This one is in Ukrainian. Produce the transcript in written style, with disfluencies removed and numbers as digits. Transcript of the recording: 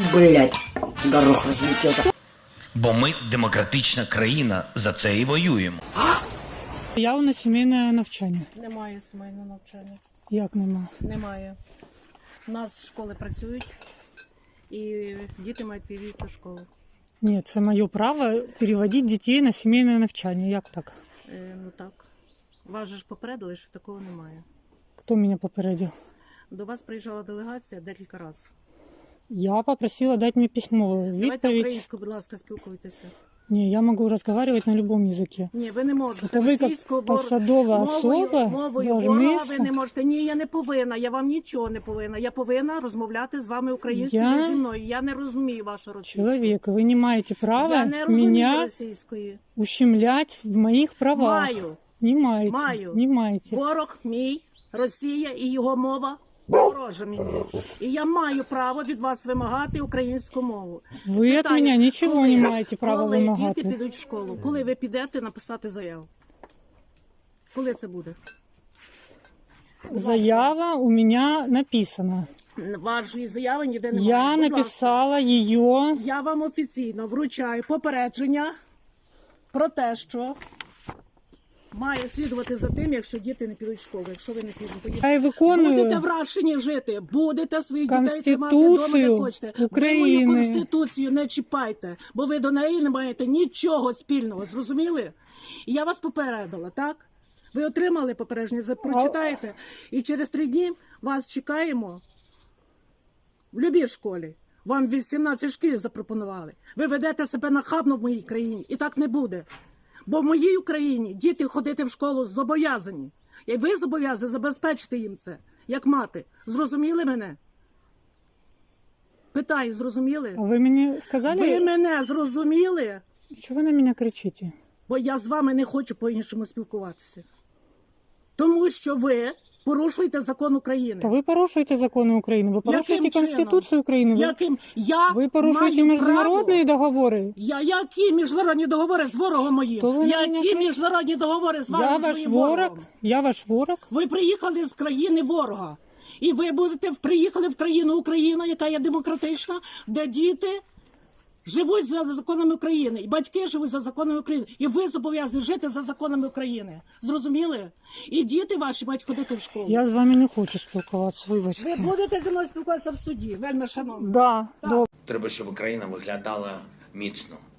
Блять, горох розлетівся. Бо ми демократична країна, за це і воюємо. Явно на сімейне навчання. Немає сімейного навчання. Як нема? Немає. У нас школи працюють і діти мають перейти до школи. Ні, це моє право переводити дітей на сімейне навчання. Як так? Ну так. Вас же ж попередили, що такого немає. Хто мене попередив? До вас приїжджала делегація декілька разів. Я попросила дати мені письмову Давайте відповідь. українською, будь ласка, спілкуйтеся. Ні, я можу розмовляти на будь-якому язикі. Ні, ви не можете. Це ви, як Російською, посадова особа, мовою должны ворога ви не можете. Ні, я не повинна, я вам нічого не повинна. Я повинна розмовляти з вами українською Я зі мною. Я не розумію вашу російську. Чоловік, ви не маєте права Я не розумію мене російської. ущемлять в моїх правах. Маю. Не маєте. Маю. Не маєте. Ворог мій, Росія і його мова ворожа мені. І я маю право від вас вимагати українську мову. Ви від Питаю, мене нічого не маєте права коли вимагати. діти підуть в школу? Коли ви підете написати заяву? Коли це буде? Заява у мене написана. Вашої заяви ніде немає. Я Будь ласка. написала її. Я вам офіційно вручаю попередження про те, що має слідувати за тим, якщо діти не підуть в школу. Якщо ви не слідуєте, Я виконую будете в Рашині жити, будете своїх дітей тримати Конституцію вдома, де хочете. України. Ви мою Конституцію не чіпайте, бо ви до неї не маєте нічого спільного, зрозуміли? І я вас попередила, так? Ви отримали попередження, прочитаєте, і через 3 дні вас чекаємо в любій школі. Вам 18 шкіл запропонували. Ви ведете себе нахабно в моїй країні, і так не буде. Бо в моїй Україні діти ходити в школу зобов'язані. І ви зобов'язані забезпечити їм це, як мати. Зрозуміли мене? Питаю, зрозуміли? А ви мені сказали, Ви мене зрозуміли? чого ви на мене кричите? Бо я з вами не хочу по-іншому спілкуватися. Тому що ви порушуєте закон України. Та ви порушуєте закони України, ви порушуєте Яким Конституцію чином? України, Яким? Я ви порушуєте маю міжнародні право. договори. Які міжнародні договори з ворогом моїм? То ви на мене Які кричите? міжнародні договори з вами, Я з ваш моїм ворог, ворогом? я ваш ворог. Ви приїхали з країни ворога. І ви приїхали в країну Україна, яка є демократична, де діти живуть за законами України. І батьки живуть за законами України. І ви зобов'язані жити за законами України. Зрозуміли? І діти ваші мають ходити в школу. Я з вами не хочу спілкуватися, вибачте. Ви будете зі мною спілкуватися в суді, вельми шановні. Да, добре. Треба, щоб Україна виглядала міцно.